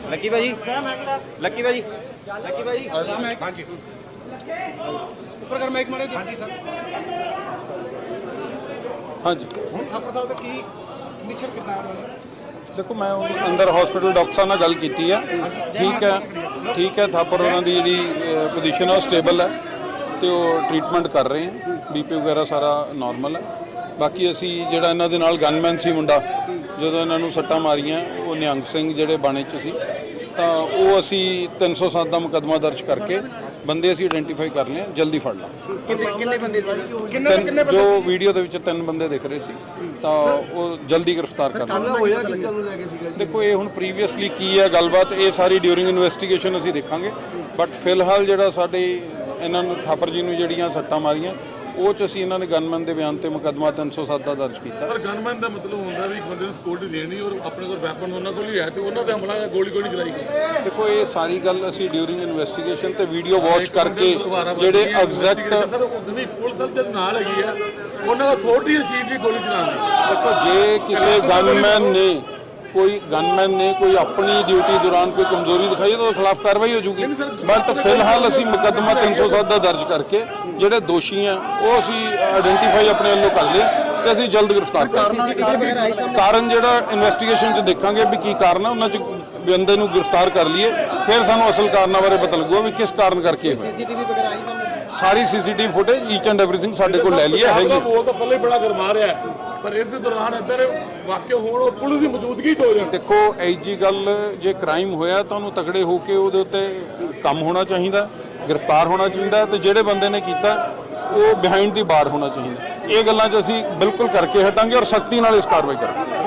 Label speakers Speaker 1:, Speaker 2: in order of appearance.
Speaker 1: Lucky ਭਾਜੀ Lucky ਭਾਜੀ Lucky ਭਾਜੀ ਹਾਂਜੀ
Speaker 2: ਉੱਪਰ ਕਰ ਮਾਈਕ ਮਾਰੇ ਹਾਂਜੀ ਸਰ ਹਾਂਜੀ ਹੁਣ ਥਾਪਰ ਸਾਹਿਬ ਦਾ ਕੀ ਮਿਸ਼ਨ ਕਿੱਦਾਂ
Speaker 3: देखो मैं अंदर हॉस्पिटल डॉक्टर साहब नाल गल कीती है ठीक है थापर उन्हों की जी पोजीशन है स्टेबल है तो ट्रीटमेंट कर रहे हैं बीपी वगैरह सारा नॉर्मल है बाकी असी जिहड़ा इन्हां दे नाल गनमैन सी मुंडा जदों इन्हां नूं सट्टां मारियां वो निहंग सिंह जिहड़े बाणे च सी तां वो असी 307 का मुकदमा दर्ज करके बंदे असी आइडेंटिफाई कर लिया जल्दी फड़ ला जो वीडियो ਦੇ ਵਿੱਚ 3 ਬੰਦੇ ਦਿਖ ਰਹੇ ਸੀ ਤਾਂ ਉਹ ਜਲਦੀ ਗ੍ਰਿਫਤਾਰ ਕਰ ਲਿਆ ਦੇਖੋ ਇਹ ਹੁਣ ਪ੍ਰੀਵੀਅਸਲੀ ਕੀ ਹੈ ਗੱਲਬਾਤ ਇਹ ਸਾਰੀ ਡਿਊਰਿੰਗ ਇਨਵੈਸਟੀਗੇਸ਼ਨ ਅਸੀਂ ਦੇਖਾਂਗੇ ਬਟ ਫਿਲਹਾਲ ਜਿਹੜਾ ਸਾਡੇ ਇਹਨਾਂ ਨੂੰ ਥਾਪਰ ਜੀ ਨੂੰ ਜਿਹੜੀਆਂ ਸੱਟਾਂ ਮਾਰੀਆਂ ਉਹ ਚ ਅਸੀਂ ਇਹਨਾਂ ਨੇ ਗਨਮੈਨ ਦੇ ਬਿਆਨ ਤੇ ਮੁਕੱਦਮਾ 307 ਦਾ ਦਰਜ ਕੀਤਾ
Speaker 4: ਪਰ ਗਨਮੈਨ ਦਾ ਮਤਲਬ ਹੁੰਦਾ ਵੀ ਇੱਕ ਬੰਦੇ ਨੂੰ ਸਕਿਉਰਟੀ ਦੇਣੀ ਔਰ ਆਪਣੇ ਕੋਲ ਵੈਪਨ ਉਹਨਾਂ ਕੋਲ ਹੀ ਹੈ ਤੇ ਉਹਨਾਂ ਤੇ ਹਮਲਾ ਗੋਲੀ ਕੋਈ ਨਹੀਂ ਚਲਾਈ ਗਈ
Speaker 3: ਦੇਖੋ ਇਹ ਸਾਰੀ ਗੱਲ ਅਸੀਂ ਡਿਊਰਿੰਗ ਇਨਵੈਸਟੀਗੇਸ਼ਨ ਤੇ ਵੀਡੀਓ ਵਾਚ ਕਰਕੇ ਜਿਹੜੇ ਐਗਜ਼ੈਕਟ
Speaker 4: ਪੁਲਿਸ ਦੇ ਨਾਲ ਹੈਗੀ ਆ ਉਹਨਾਂ ਦਾ ਅਥਾਰਟੀ ਚੀਜ਼ ਦੀ ਗੋਲੀ ਚਲਾਉਣ ਦੀ
Speaker 3: ਦੇਖੋ ਜੇ ਕਿਸੇ गनमैन ने कोई अपनी ड्यूटी दौरान कोई कमजोरी दिखाई तो खिलाफ कार्रवाई हो जूगी बट फिलहाल असी मुकदमा 307 का दर्ज करके जोड़े दोषी हैं वो असी आइडेंटिफाई अपने वालों कर लिया तो असी जल्द गिरफ्तार कर कारण जोड़ा इन्वेस्टिगेशन च देखांगे भी की कारण है उन्होंने बंदे नूं गिरफ्तार कर लिए फिर सानू असल कारणों बारे पता लगूगा भी किस कारण करके सारी CCTV footage each and everything साडे कोल लै ली है
Speaker 4: वो तो पहले बड़ा गरमा रहा है पर इस दौरान इधर वाकई होण और पुलिस की मौजूदगी हो जाए
Speaker 3: देखो ऐजी गल जे क्राइम होया तो उन्होंने तगड़े होकर उहदे उत्ते काम होना चाहिए गिरफ्तार होना चाहिए तो जिहड़े बंदे ने कीता वो बिहाइंड दी बार होना चाहिए ये गल्लां 'च असीं बिल्कुल करके हटांगे और सख्ती नाल इस कार्रवाई करांगे